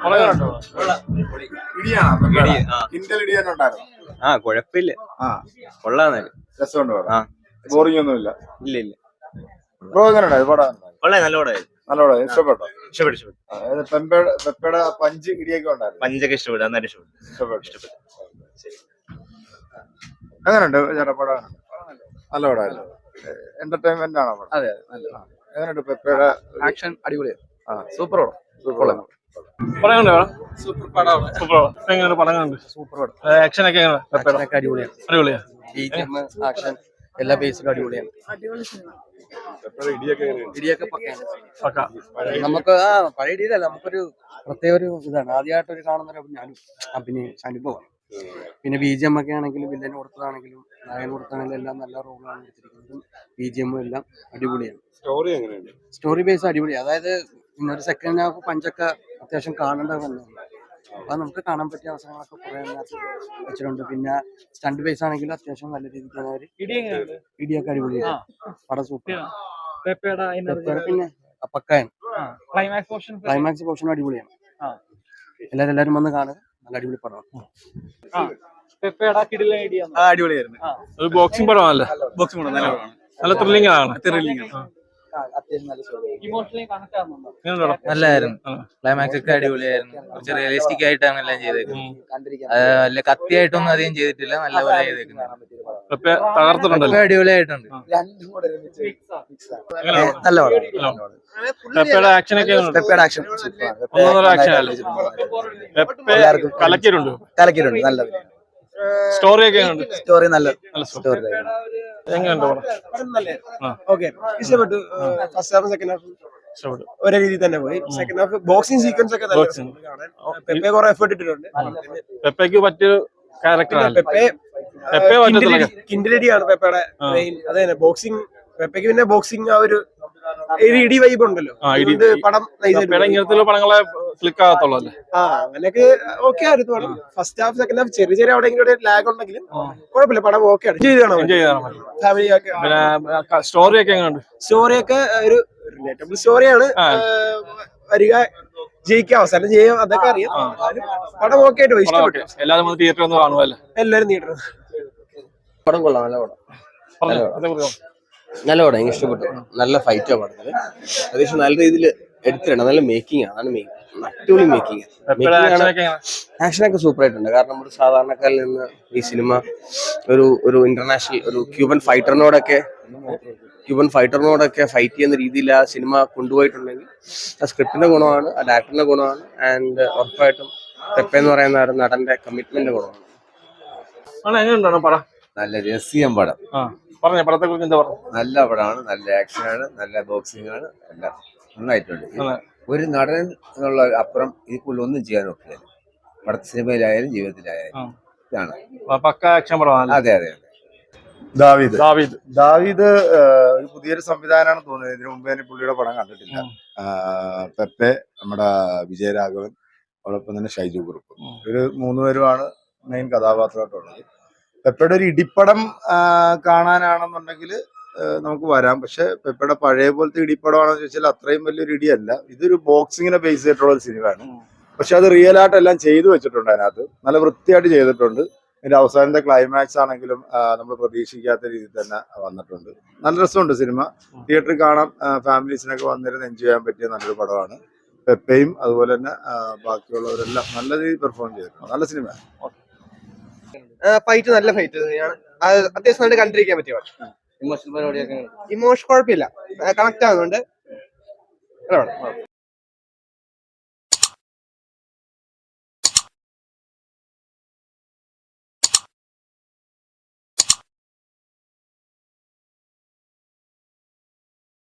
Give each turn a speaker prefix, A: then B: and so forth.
A: കുഴപ്പമില്ല. കൊള്ളാന്ന്
B: രസമുണ്ട്. ബോറിംഗ് ഒന്നുമില്ല.
A: ഇല്ല ഇല്ല.
B: ബ്രോ എങ്ങനെ ഉണ്ടായത് പടം?
A: നല്ല പടമായിരുന്നു.
B: നല്ല പടം. ഇഷ്ടപ്പെട്ടോ?
A: ഇഷ്ടപ്പെട്ടു.
B: പെപ്പയുടെ പഞ്ച് ഇടിയൊക്കെ ഉണ്ടായിരുന്നു.
A: പഞ്ചൊക്കെ ഇഷ്ടപ്പെട്ടു. നന്നായിട്ട് ഇഷ്ടപ്പെട്ടു.
B: എങ്ങനെയുണ്ട് ചേട്ടാ പടം? നല്ല പടമായിരുന്നു. എന്റർടൈൻമെന്റ് ആണോ പടം?
C: അതെ.
B: എങ്ങനെയുണ്ട് പെപ്പയുടെ
C: ആക്ഷൻ? അടിപൊളിയാണ്. സൂപ്പർ പടം.
D: സൂപ്പർ പടമാണ്. എങ്ങനെയാണ് പടം കണ്ട്?
C: സൂപ്പർ പടം.
D: ആക്ഷൻ ഒക്കെ
C: അടിപൊളിയാണ്. ആക്ഷൻ എല്ലാ ബേസിലും അടിപൊളിയാണ്. ഇടിയൊക്കെ പക്ക. നമുക്ക് പഴയ ഇടിയിലല്ല, നമുക്കൊരു പ്രത്യേക ഒരു ഇതാണ്. ആദ്യമായിട്ടൊരു കാണുന്ന അനുഭവമാണ്. പിന്നെ BGM ഒക്കെ ആണെങ്കിലും വില്ലന് കൊടുത്തതാണെങ്കിലും നായകന് കൊടുത്താണെങ്കിലും എല്ലാം നല്ല റോളാണ് എടുത്തിരിക്കുന്നതും. BGM എല്ലാം അടിപൊളിയാണ്. സ്റ്റോറി ബേസ് അടിപൊളിയാണ്. അതായത് ഇന്നൊരു സെക്കൻഡ് ഹാഫ് പഞ്ചൊക്കെ അത്യാവശ്യം കാണേണ്ടത് തന്നെയാണ്. അപ്പൊ നമുക്ക് കാണാൻ പറ്റിയ അവസരങ്ങളൊക്കെ കുറെ അതിനകത്ത് വെച്ചിട്ടുണ്ട്. പിന്നെ സ്റ്റണ്ട് ബേസ് ആണെങ്കിലും അത്യാവശ്യം നല്ല രീതിക്ക് ഇടിയൊക്കെ അടിപൊളിയാണ്. പടം സൂപ്പർ. പിന്നെ പക്കയാണ്. ക്ലൈമാക്സ് പോർഷൻ അടിപൊളിയാണ്. എല്ലാരും വന്ന് കാണുക. നല്ല അടിപൊളി പടമാണ്.
D: അടിപൊളിയായിരുന്നു. ഒരു ബോക്സിംഗ് പടമാണല്ലേ? ബോക്സിംഗ് പടം നല്ല പടമാണ്. നല്ല ത്രില്ലിംഗ് ആണ്.
E: നല്ലായിരുന്നു. ക്ലൈമാക്സ് ഒക്കെ അടിപൊളിയായിരുന്നു. കുറച്ച് റിയലിസ്റ്റിക് ആയിട്ടാണ് എല്ലാം ചെയ്തേക്കുന്നത്. അല്ല കത്തിയായിട്ടൊന്നും അധികം ചെയ്തിട്ടില്ല. നല്ല പോലെ ചെയ്തേക്കുന്നത്. അടിപൊളിയായിട്ടുണ്ട്.
C: നല്ല
D: കലക്കിയിട്ടുണ്ട്.
C: നല്ലത്.
D: സ്റ്റോറി
C: നല്ല സ്റ്റോറി.
F: ഇഷ്ടപ്പെട്ടു. ഫസ്റ്റ് ഹാഫ് സെക്കൻഡ് ഹാഫ് ഒരേ രീതിയിൽ തന്നെ പോയി. സെക്കൻഡ് ഹാഫ് ബോക്സിംഗ് സീക്വൻസ് ഒക്കെ പെപ്പെ കുറെ എഫേർട്ട് ഇട്ടിട്ടുണ്ട്.
D: പെപ്പയ്ക്ക് പറ്റിയ ക്യാരക്ടറാണ്.
F: കിൻഡിലടിയാണ് പെപ്പയുടെ മെയിൻ. അത് തന്നെ ബോക്സിംഗ്. പെപ്പയ്ക്ക് പിന്നെ ബോക്സിംഗ് ആ ഒരു ഇടി വൈബ് ഉണ്ടല്ലോ. പടം
D: ഇങ്ങനത്തെ പടങ്ങളെ ക്ലിക്ക് ആകത്തുള്ളൂ.
F: അങ്ങനെയൊക്കെ ഓക്കെ ആയിരുന്നു പടം. ഫസ്റ്റ് ഹാഫ് സെക്കൻഡ് ഹാഫ് ചെറിയ എവിടെയെങ്കിലും ലാഗ് ഉണ്ടെങ്കിലും കുഴപ്പമില്ല. പടം ഓക്കെ ആണ്. ഫാമിലി ഒക്കെ.
D: സ്റ്റോറി ഒക്കെ എങ്ങനെയുണ്ട്?
F: സ്റ്റോറി ഒക്കെ ഒരു റിലേറ്റബിൾ സ്റ്റോറിയാണ്. വരിക, ജയിക്കുക, അവസാനം ചെയ്യാം, അതൊക്കെ അറിയാം. പടം ഓക്കെ ആയിട്ട് പോയി. ഇഷ്ടപ്പെട്ടു.
D: എല്ലാവരും തിയേറ്ററിൽ ഒന്ന് കാണുമല്ലോ.
F: എല്ലാവരും തിയേറ്ററിൽ.
C: പടം കൊള്ളാം. നല്ല പടം. എനിക്ക് ഇഷ്ടപ്പെട്ടു. നല്ല ഫൈറ്റാണ് പടത്തില്. അത്യാവശ്യം നല്ല രീതിയിൽ എടുത്തിട്ടുണ്ട്. നല്ല മേക്കിംഗ് ആണ്. അതാണ് മെയിൻ. അടിപൊളി മേക്കിംഗ്. ആക്ഷനൊക്കെ സൂപ്പർ ആയിട്ടുണ്ട്. കാരണം ഒരു സാധാരണക്കാരിൽ നിന്ന് ഈ സിനിമ ഒരു ഇന്റർനാഷണൽ ഒരു ക്യൂബൻ ഫൈറ്ററിനോടൊക്കെ ഫൈറ്റ് ചെയ്യുന്ന രീതിയിൽ ആ സിനിമ കൊണ്ടുപോയിട്ടുണ്ടെങ്കിൽ ആ സ്ക്രിപ്റ്റിന്റെ ഗുണമാണ്, ആ ഡയറക്ടറിന്റെ ഗുണമാണ്. ആൻഡ് ഉറപ്പായിട്ടും പെപ്പെ എന്ന് പറയുന്ന നടന്റെ കമ്മിറ്റ്മെന്റ് ഗുണമാണ്.
G: നല്ല രസീയം പടം.
D: പടത്തെ കുറിച്ച് എന്താ പറയുക?
G: നല്ല പടമാണ്. നല്ല ആക്ഷനാണ്. നല്ല ബോക്സിംഗ് ആണ്. എല്ലാം നന്നായിട്ടുണ്ട്. ഒരു നടൻ എന്നുള്ള അപ്പുറം ഇതിൽ ഒന്നും ചെയ്യാൻ ഒക്കെയല്ല. പടത്തെ സിനിമയിലായാലും ജീവിതത്തിലായാലും ഇതാണ്
D: പക്ക ആക്ഷൻ പടമാണ്.
G: അതെ.
B: ദാവീദ് ഒരു പുതിയൊരു സംവിധാനമാണ് തോന്നുന്നത്. ഇതിനു മുമ്പ് ഞാൻ പുള്ളിയുടെ പടം കണ്ടിട്ടില്ല. പെപ്പെ, നമ്മുടെ വിജയരാഘവൻ, അതോടൊപ്പം തന്നെ ഷൈജു കുറുപ്പ്, ഒരു 3 പേരുമാണ് മെയിൻ കഥാപാത്രമായിട്ടുള്ളത്. പെപ്പയുടെ ഒരു ഇടിപ്പടം കാണാനാണെന്നുണ്ടെങ്കിൽ നമുക്ക് വരാം. പക്ഷെ പെപ്പയുടെ പഴയ പോലത്തെ ഇടിപ്പടമാണെന്ന് ചോദിച്ചാൽ അത്രയും വലിയൊരു ഇടിയല്ല. ഇതൊരു ബോക്സിങ്ങിനെ ബേസ് ചെയ്തിട്ടുള്ള ഒരു സിനിമയാണ്. പക്ഷെ അത് റിയൽ ആയിട്ടെല്ലാം ചെയ്തു വെച്ചിട്ടുണ്ട്. അതിനകത്ത് നല്ല വൃത്തിയായിട്ട് ചെയ്തിട്ടുണ്ട്. ഇതിന്റെ അവസാനത്തെ ക്ലൈമാക്സ് ആണെങ്കിലും നമ്മൾ പ്രതീക്ഷിക്കാത്ത രീതിയിൽ തന്നെ വന്നിട്ടുണ്ട്. നല്ല രസമുണ്ട് സിനിമ. തിയേറ്ററിൽ കാണാം. ഫാമിലീസിനൊക്കെ വന്നിരുന്ന് എൻജോയ് ചെയ്യാൻ പറ്റിയ നല്ലൊരു പടമാണ്. പെപ്പയും അതുപോലെ തന്നെ ബാക്കിയുള്ളവരെല്ലാം നല്ല രീതിയിൽ പെർഫോം ചെയ്തിട്ടുണ്ട്. നല്ല സിനിമയാണ്.
F: ഫൈറ്റ് നല്ല ഫൈറ്റ് തന്നെയാണ്. അത്യാവശ്യം നല്ല കണ്ടിരിക്കാൻ പറ്റിയ ഇമോഷൻ കുഴപ്പമില്ല. കണക്ട് ആകുന്നുണ്ട്.